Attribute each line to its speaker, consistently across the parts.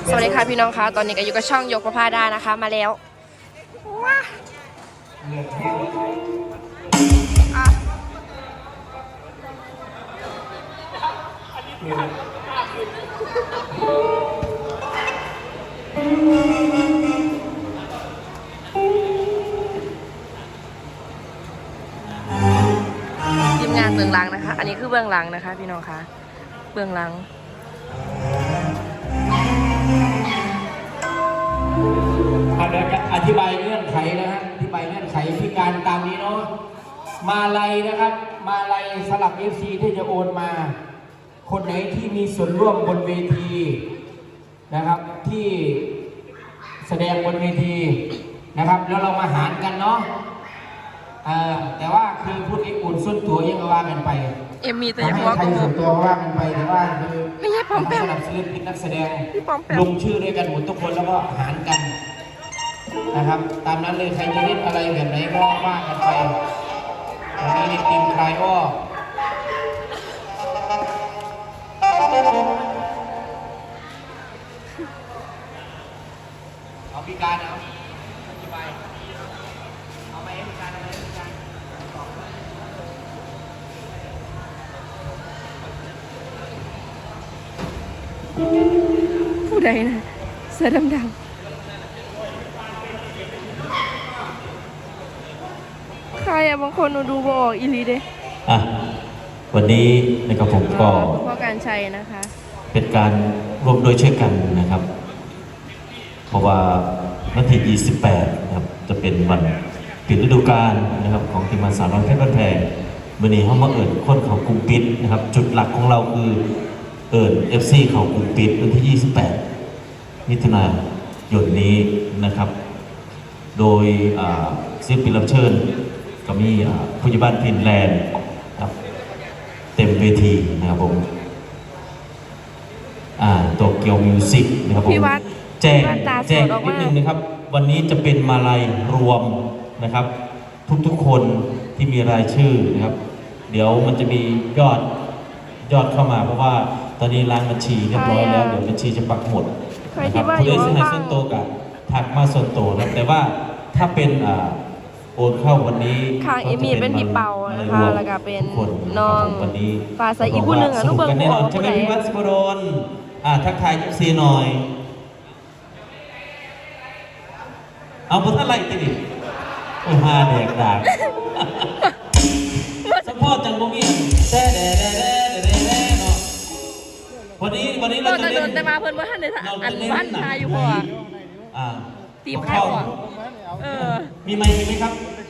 Speaker 1: สวัสดีค่ะพี่น้องคะตอนนี้ก็อยู่กับช่องยกประพาดานะคะมาแล้วว้าทีมงานเบื้องหลังนะคะอันนี้คือเบื้องหลังนะคะพี่น้องคะเบื้องหลัง
Speaker 2: เดี๋ยวจะอธิบายเงื่อนไขนะฮะอธิบายเงื่อนไขพิการตามนี้เนาะมาลัยนะครับมาลัยสลับ FC ที่จะโอนมาคนไหนที่มีส่วนร่วมบนเวทีนะครับที่แสดงบนเวทีนะครับแล้วเรามาหารกันเนาะแต่ว่าคือพูดเองอุ่นส่วนตัวยังว่ากันไป
Speaker 1: มีแต่ยังว่า
Speaker 2: ใครส่วนตัวว่ากันไปแต่ว่าคือ
Speaker 1: ไม่ใช่ปอมแปม
Speaker 2: สลับศิลปินนักแสดง
Speaker 1: ล
Speaker 2: งชื่อด้วยกันหมดทุกคนแล้วก็หารกันนะครับตามนั้นเลยใครจะเล่นอะไรแบบไหนก็ว่ากันไปวันนี้ในทีมคลายอ้อเอาพิการเอาอธิบายเอาไปพิการอะไรพิการ
Speaker 1: ผู้ใดนะเสื้อดำๆใครอะบางคนหนูดูบออกอีลีเด้
Speaker 3: วันนี้นะครับผมก็
Speaker 1: พ่อการชัยนะคะ
Speaker 3: เป็นการร่วมโดยช่วยกันนะครับเพราะว่าวันที่28นะครับจะเป็นวันปิดฤดูกาลนะครับของทีมงานสาวน้อยเพชรบ้านแพงวันนี้เขามาเอิญคนเขากลุ่มปิดนะครับจุดหลักของเราคือเอิญ FC เขากลุ่มปิดวันที่28มิถุนายนนี้นะครับโดยศิลปินรับเชิญก็มีผู้ใหญ่บ้านฟินแลนด์ครับเต็มเวทีนะครับผมโตเกียวมิวสิกนะครับผมแจ้งนิดนึงนะครับวันนี้จะเป็นมาลัยรวมนะครับทุกๆคนที่มีรายชื่อนะครับเดี๋ยวมันจะมียอดเข้ามาเพราะว่าตอนนี้ร้านบัญชีเรียบร้อยแล้วเดี๋ยวบัญชีจะปักหมดนะครับผู้ใดสนับสนุนโตกับถักมาส่วนโตนะแต่ว่าถ้าเป็นโอนเข้าวันนี้
Speaker 1: ข้างเอมี่เป็นพี่เปานะคะแล้วก็เป็นน้องฟ้าใสอีกผู้หนึ่งลูกเบิร์
Speaker 3: นแน่นอนใช่ไหมพี่วัดสกรนทักทายยุซีหน่อยเอาพุทธอะไรติดิโอ้ฮาเด็กดักสปอร์ตจังบ่มีเด้เนาะวันนี้เราจะเล่น
Speaker 1: แต่มาเพิ่นว่าท่านในอันบ้านชายอยู่พอตีมข้าว
Speaker 3: มีไหมครับ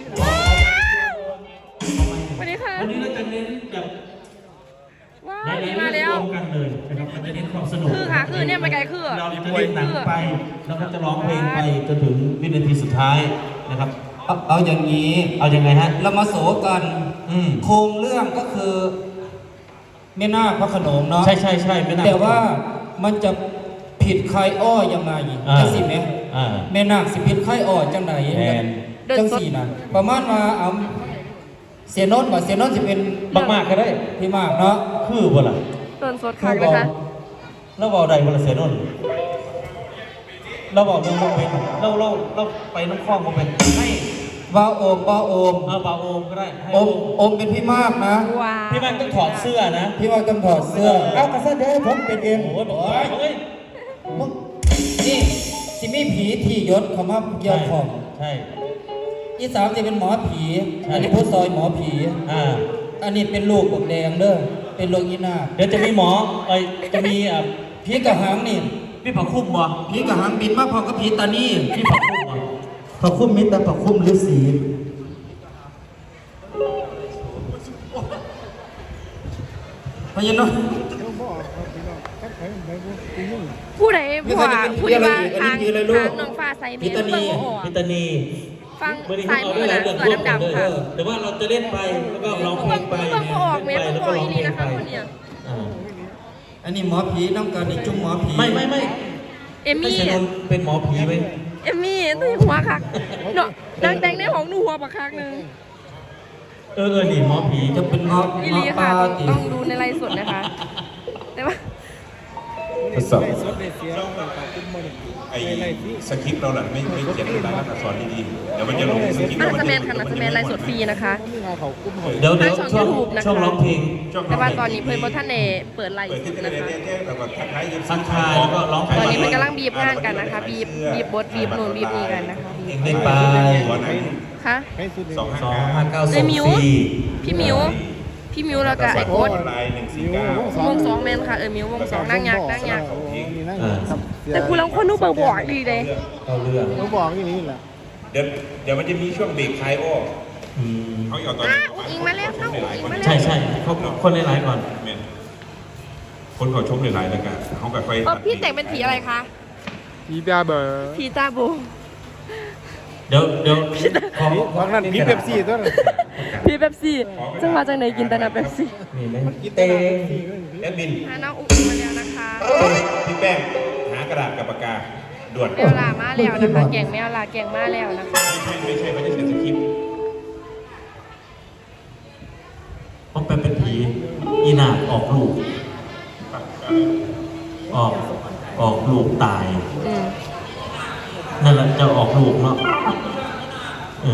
Speaker 1: วันนี้ค่ะ
Speaker 3: วันนี้เราจะเน้นแบบ
Speaker 1: ว้าวดีมาแล้ว
Speaker 3: กันเลยนะครับมันจะเน้นความสนุก
Speaker 1: คือเนี่ยไปไกลคือ
Speaker 3: เราจะเล่นหนังไปแล้วก็จะร้องเพลงไปจนถึงวินาทีสุดท้ายนะครับ
Speaker 2: เอาอย่างนี้
Speaker 3: เอายังไงฮะ
Speaker 2: เรามาโสกันโครงเรื่องก็คือแม่นาคพระโขนงเนาะ
Speaker 3: ใช่แม่นาค
Speaker 2: แต่ว่ามันจะผิดใครอ้อยังไงจังสิไหมแม่นาคสิผิดใครอ้อจังไหนจังสี่นะประมาณว่าเอาเสียโน้ตบ่เสียโน้ตจะเป็น
Speaker 3: มากก็ได้
Speaker 2: พี่มากเนาะ
Speaker 3: คือบ่ล่ะ
Speaker 1: ต้นสดคักนะคะ
Speaker 3: เราบอกใดบ่ล่ะเสียโน้ตเราบอกเรื่องเป็นเราไปน้ำคลองบ่เป็นให้
Speaker 2: บ่าวโอม
Speaker 3: บ่าวโอมก็ได้
Speaker 2: โอมเป็นพี่มากนะ
Speaker 3: พี่มากต้องถอดเสื้อนะ
Speaker 2: พี่มากต้องถอดเสื้อเอ้ากระซ่าเด้ผมเป็นเอง
Speaker 3: โอ้ยบอกเฮ้ย
Speaker 2: นี่สิมีผีที่ยศเขามาเกี่ยวของ
Speaker 3: ใช่
Speaker 2: อีสามจะเป็นหมอผีอันนี้ผู้ซอยหมอผีอันนี้เป็นลูกปกแดงเด้อเป็นโรคอีนา
Speaker 3: เดี๋ยวจะมีหมอจะมี
Speaker 2: ผีกระหังนี่
Speaker 3: พี่ผักคุ้มบ่
Speaker 2: ผีกระหังบินมาพอกับผีตานี่
Speaker 3: พี่ผักคุ้มบ่
Speaker 2: ผักคุ้มมิตรแต่ผักคุ้มฤาษีพญานนท์
Speaker 1: ผู้ใดผู้ว่าทางน้องฟ้าใสเมียเบิ่งบ่ออก
Speaker 3: พิตานี
Speaker 1: ฟังสายมือนะเสือดำๆค่ะ
Speaker 3: แต่ว่าเราจะเล่นไปแล้วก็ร้องเพลงไป
Speaker 1: เบิ่งบ่ออกแม่เบิ่งบ่ออกนี่นะคะคนเนี้ย
Speaker 2: อันนี้หมอผีน้ำกันนี่จุ่มหมอผี
Speaker 3: ไม่
Speaker 1: เอมี่
Speaker 3: เป็นหมอผีไหม
Speaker 1: เอมี่ตีหัวคักเนาะนางแต่งในห้องหนูหัวปักคักนึง
Speaker 3: นี่หมอผี
Speaker 2: จะเป็นหมอ
Speaker 1: อีลีค่ะต้องดูในไลฟ์สดนะคะแต่ว่า
Speaker 3: ทดสอบ
Speaker 4: ไอ้สคริปต์เราหลังไม่เขียนรายลักษณ์อักษรดีๆเดี๋ยวมันจะลงสคริปต์
Speaker 1: น่าจะแมนค่ะน่าจะแมนไลฟ์สดฟรีนะคะ
Speaker 3: เดี๋ยว
Speaker 1: ทางช่อง YouTube นะคะ
Speaker 3: ช่วงร้องเพลง
Speaker 1: แต่ว่าตอนนี้เพิ่นบ่ทันได้เปิดไลฟ์
Speaker 4: เปิด
Speaker 1: ส
Speaker 4: ที่
Speaker 1: ด
Speaker 4: เต้
Speaker 1: นะคะ
Speaker 4: ๆแล้วก็ทักทายยิ้ม
Speaker 3: ทักทายแล้วก็ร้องเพลง
Speaker 1: ตอนนี้เพิ่นกำลังบีบงานกันนะคะบีบบทบีบนู่นบีบนี่กันนะคะ
Speaker 3: เพลงได้ไป
Speaker 4: หัวไหน
Speaker 1: ค่ะ
Speaker 3: 2594
Speaker 1: เลยมิวพี่มิวแล้วก็ไอ้โอ๊ต
Speaker 4: ลาย149
Speaker 1: วงสองแมนค่ะมิววงสองนั่งยักษ์
Speaker 3: เออ
Speaker 1: แต่กูลังคนนู้นบ่อยดีเลย
Speaker 3: เข้าเรื่อง
Speaker 5: เขาบอกอย่างนี้แหละ
Speaker 4: เดี๋ยวมันจะมีช่วงเบรกคลายอ้อ
Speaker 3: อืม
Speaker 4: เขาเอาตอน
Speaker 1: อุ้งอิงมาแล้วน้องอุ้งอิงมาแล้ว
Speaker 3: ใช่ใช่เขาคนหลายๆก่อน
Speaker 4: คนเขาชมหลายๆแล้วกันเขาแบบไป
Speaker 1: พี่แต่งเป็นผีอะไรคะ
Speaker 5: ผีตาเบอร์
Speaker 1: ผีตาโบ
Speaker 3: เดี๋ยวขอ
Speaker 5: บางนั้นผีเป๊ปซี่ตัวนั้น
Speaker 1: ผีเป๊ปซี่จังหวะจังไหนกินแต่น้ำเป๊ปซี่
Speaker 3: นี่ไหมเต้ง
Speaker 4: แอดมิน
Speaker 1: น้องอุ้งอิงมาแล้วนะคะ
Speaker 4: พี่แป้งหากระดาษกับปากกาด่วน
Speaker 1: แมวลามาแล้วนะคะแกงแมวลาแกงมาแล้วนะคะ
Speaker 4: ไม่ใช่ไม่ได้เขียนสคริปต์
Speaker 3: ต้องเป็นผีอีนาคออกลูก ออกลูกตาย นั่นแหละจะออกลูกเนาะ
Speaker 1: อ๋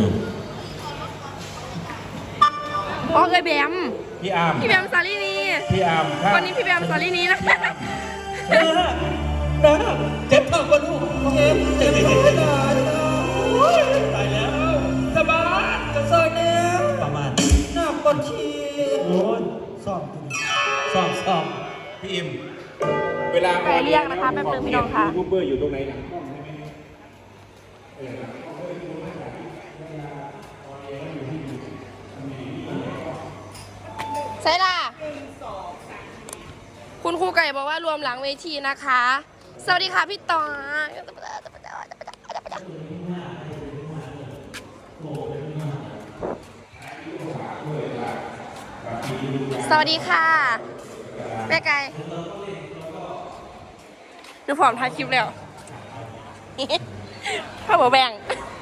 Speaker 1: อเคยแบม
Speaker 4: พี่อาร์ม
Speaker 1: พี่แบมซาลีนี
Speaker 4: พี่อาร์มครับ
Speaker 1: วันนี้พี่แบมซาลีนีนะคะ
Speaker 3: เจ็บท้องปะลูกเจ็บท้องตายแล้วสบายจะซอยแล้วประมาณหน้าปวดฉี่โอ้ยซ่อม
Speaker 4: พี่อิมเวลา
Speaker 1: ไปเรียกนะคะแป๊บนึงพี่น้องค่ะ
Speaker 4: ยูทูบเบอร์อยู่ตรงไหนนะ
Speaker 1: ใช่ล่ะคุณครูไก่บอกว่ารวมหลังเวทีนะคะ สวัสดีค่ะพี่ต่อสวัสดีค่ะแม่ไก่ดูผอมถ่ายคลิปแล้ว พ่อบอกแบ่ง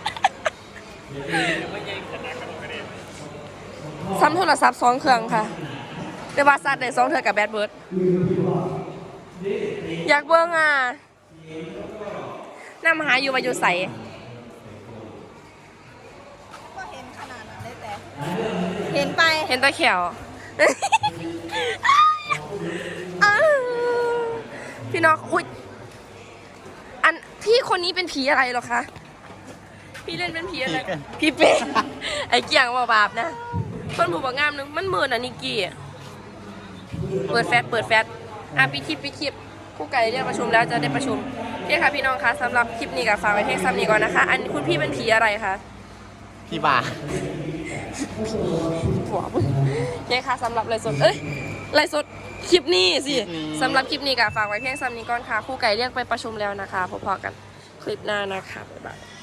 Speaker 1: ซ้ำโทรศัพท์2 เครื่องค่ะแต่ว่าซัดได้2 เทื่อกับแบดเบิร์ดอยากเบิ่งอ่ะน้ำหาอยู่ว่าอยู่ใส
Speaker 6: ก็เห็นขนาดนั้นเลยแต่เห็นไป
Speaker 1: เห็นตะเขียว พี่น้องอุ๊ยอันพี่คนนี้เป็นผีอะไรหรอคะพี่เล่นเป็นผีอะไรพี่เป็น ไอ้เกี่ยงบาปนะคนผู้บอกงามนึงมันเหมือนอ่ะนิกกี้เปิดแฟตปิดคลิปคู่ไก่เรียกประชุมแล้วจะได้ประชุมโอเคค่ะพี่น้องคะสำหรับคลิปนี้กับฝากไว้เพียงซ้ำนี้ก่อนนะคะอันคุณพี่เป็นผีอะไรคะ
Speaker 5: พี่บา
Speaker 1: หัวมึงโอเคค่ะสำหรับไลฟ์สดไลฟ์สดคลิปนี้สิสำหรับคลิปนี้กับฝากไว้เพียงซ้ำนี้ก่อนค่ะคู่ไก่เรียกไปประชุมแล้วนะคะพบกันคลิปหน้านะคะบ๊ายบาย